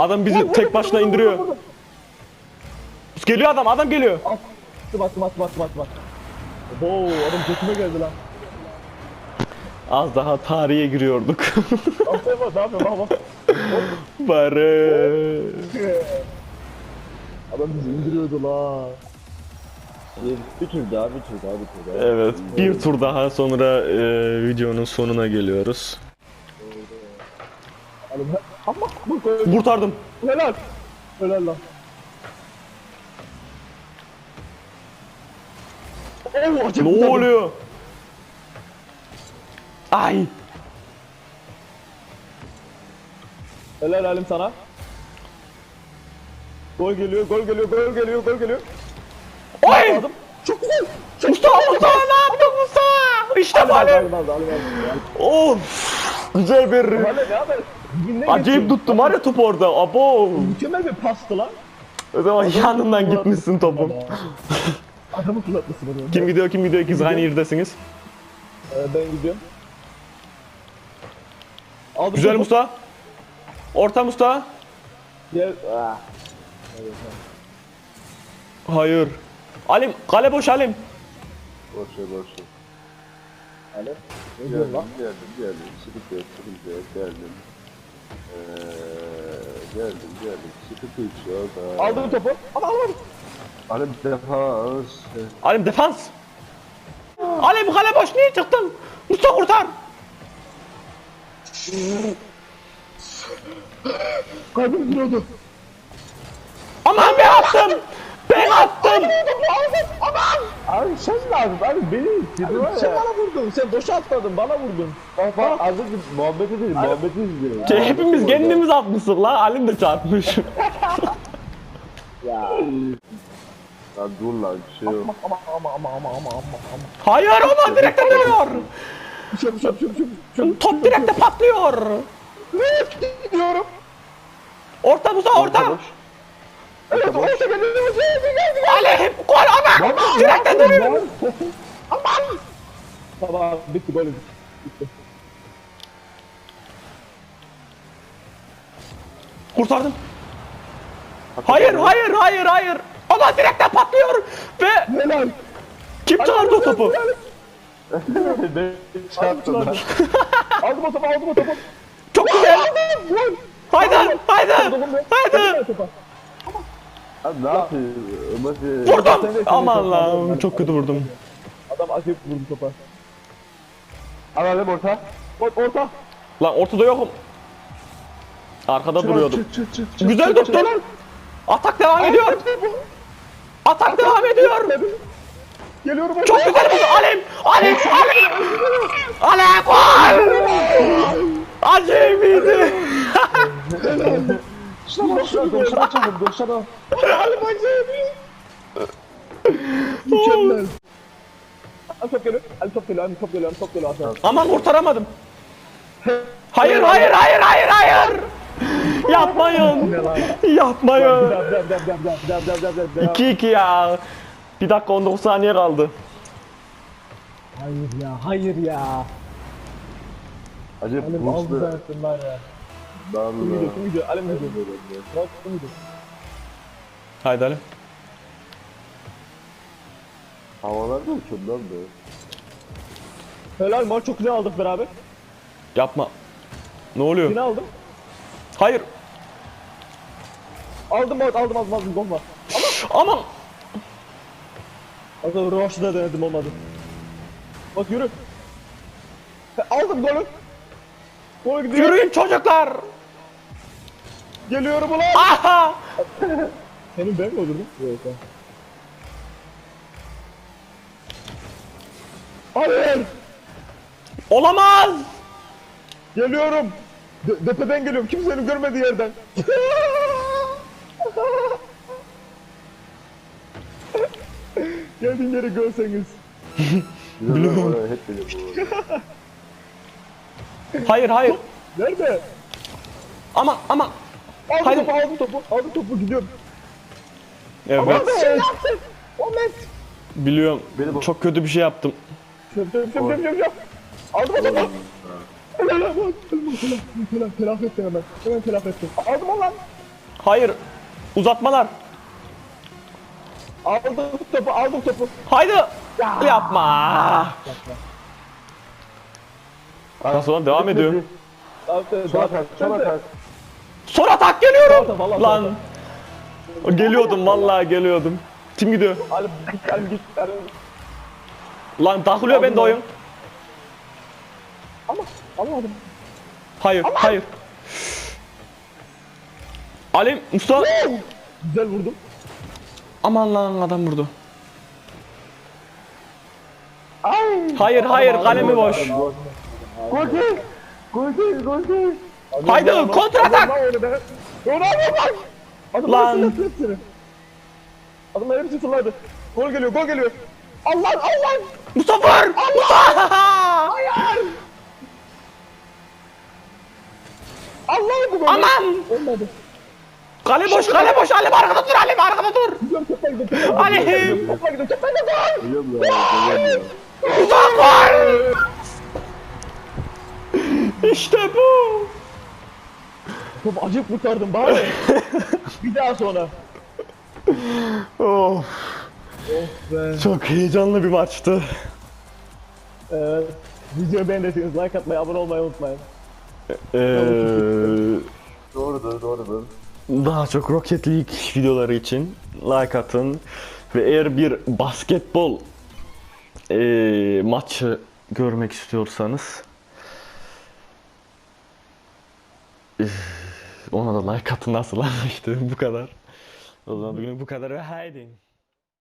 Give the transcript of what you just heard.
Adam bizi tek başına indiriyor. Geliyor adam geliyor. Attım. Oo adam götüme geldi lan. Az daha tarihe giriyorduk. Aferin bak ne yapıyor bak. Bari. Adam bizi indiriyordu la. Bir tur daha. Evet, bir tur daha sonra videonun sonuna geliyoruz. Ama Kurtardım. helal. Helal lan. Oo, acayip Ne kurtardım. oluyor? Ay. Helal halim sana. Gol geliyor. Oy! Aldım. Çok güzel. Mustafa ne yaptın Mustafa? İşte böyle. Of. Güzel bir. Hale ne haber? Dibinden Acayip geçiyor. tuttum var ya top orada. Abo. Mükemmel bir pastı lan. O zaman yanından gitmişsin topun. Adamı fırlatmışsın onu. Kim gidiyor? İkiniz aynı yerdesiniz. Ben gidiyorum. Aldım Güzel topu. Mustafa. Orta Mustafa. Gel. Hayır. Alim, kale boş Alim. Boş ver. Hale. Ne diyorsun lan? Geldim. Sıkıntı yok. Geldim. Sıkıntı yok. Aldım topu. Ama almadım. Hani defans. Alim defans. Alim kale boş niye çıktın? Mustafa kurtar. Kalbim duruyordu. Aman ben attım. Ben attım. Abi sen lazım. Abi beni istedin var ya. Sen bana vurdun. Sen boşa atmadın. Bana vurdun. Bak az önce muhabbeti izliyorum. Şey, hepimiz kendimiz atmışız la. Alim de çarpmış. Ya. Lan dur lan bir şey yok. Ama. Hayır ama direkte dönüyor. Şöp. Top direkte patlıyor. Gidiyorum. Orta Mustafa orta. Evet orta geliyor. Alim gol ama. Direkte dönüyor. Aman. Tamam bitti golü. Bitti. Kurtardım. Hayır. Ama direkte patlıyor. Ve Helal. kim çağırdı o topu? Ben çarptım lan. Aldım o topu. Çok güzel. Gol. Haydi. Abi ne yapıyor? Vurdum. Aman lan çok kötü vurdum. Adam acayip vurdu topa. Alalım orta. Orta. Lan ortada yokum. Arkada duruyordum. Çık. Güzel tuttun. Atak devam ediyor. Geliyorum. Çok güzel vurdu. Alim. Gol. Acemiydi. Doşana çabuk. Halim acayip. Mükemmel. Al top geliyor. Top geliyor. Aman kurtaramadım. Hayır. Yapmayın. Dev. 2-2 ya. 1 dakika 19 saniye kaldı. Hayır ya. Acaba Halim aldı Burs'ta zaten var ya. darlı. Kim gidiyor? Halim gidiyor. Bak kim gidiyor? Haydi Alim. Havalar da uçuyor lan be. Helal maç çok güzel aldık beraber. Yapma. Ne oluyor? Yine aldım. Hayır. Aldım gol var. Aman. Az önce Roş'da denedim olmadı. Bak yürü. Aldım golü. Gol gidiyor. Yürüyün çocuklar. Geliyorum ulan. Aha. Senin ben mi öldürdüm? Yok ha. Hayır. Olamaz. Geliyorum. Tepeden geliyorum. Kimsenin görmediği yerden. Geldiğin yeri görseniz. Biliyorum. Oraya hep biliyorum. Hayır. Nerede? Ama. Hayır. Aldım topu gidiyorum. Evet. Sen ne yaptın? Ahmet. Biliyorum. Beni bak- Çok kötü bir şey yaptım. Şöp. Aldım o topu. Helal. Telafi ettim hemen. Hemen telafi ettim. Aldım o lan. Hayır. Uzatmalar. Aldım topu. Haydi. Yapma. Nasıl lan devam ediyor. Son atak, son atak. Son atak geliyorum. Tamam, vallahi Lan. Geliyordum vallahi geliyordum. Kim gidiyor? Ali git. Lan takılıyor bende oyun. Ama almadım. Hayır, hayır. Ali, Mustafa. Güzel vurdum. Aman lan adam vurdu. Ay. Hayır, hayır, kalemi boş. Gol değil. Gol değil, gol değil. Haydi, kontra atak. Lan. Adamlar hepsi fırladı. Gol geliyor. Allah. Mustafa! Mustafa! Allah bu gol. Aman! Olmadı. Kale boş, Ali arkada dur, Ali arkada dur. Gidiyorum topla gidiyorum. Ali! Topla gidiyorum. Gol. Geliyorum ya, geliyorum ya. Mustafa! İşte bu. Top acık kurtardım bari. Bir daha sonra. Oh, Be. çok heyecanlı bir maçtı. Videoyu beğendiyseniz like atmayı, abone olmayı unutmayın. Doğrudur. Daha çok Rocket League videoları için like atın. Ve eğer bir basketbol maçı görmek istiyorsanız ona da like atın, nasıl lan işte bu kadar. O zaman bugün bu kadar ve haydi.